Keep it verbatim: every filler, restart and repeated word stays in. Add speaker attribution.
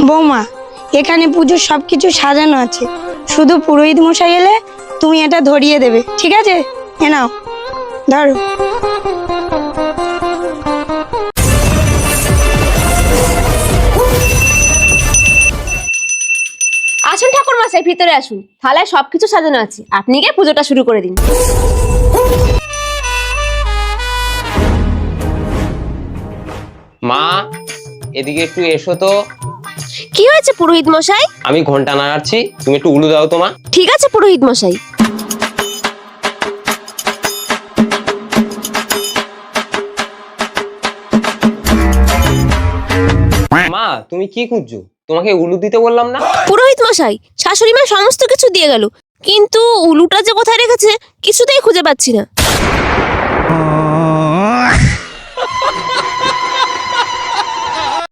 Speaker 1: বৌমা, এখানে পুজোর সব কিছু সাজানো আছে, শুধু পুরোহিত মশাই এলে তুমি এটা ধরিয়ে দেবে, ঠিক আছে? এ নাও, ধরো।
Speaker 2: আসুন ঠাকুর মশাই, ভিতরে আসুন। থালায় সবকিছু সাজানো আছে, আপনি গিয়ে পুজোটা শুরু করে দিন।
Speaker 3: মা, এদিকে একটু এসো তো।
Speaker 2: কি হয়েছে পুরোহিত মশাই?
Speaker 3: আমি ঘন্টা নাড়াচ্ছি, তুমি একটু উলু দাও তো মা।
Speaker 2: ঠিক আছে পুরোহিত মশাই।
Speaker 3: মা, তুমি কি খুঁজছো? তোমাকে উলু দিতে বললাম না?
Speaker 2: পুরোহিত মশাই, শাশুড়ি মা সমস্ত কিছু দিয়ে গেল, কিন্তু উলুটা যে কোথায় রেখেছে কিছুতেই খুঁজে পাচ্ছি না।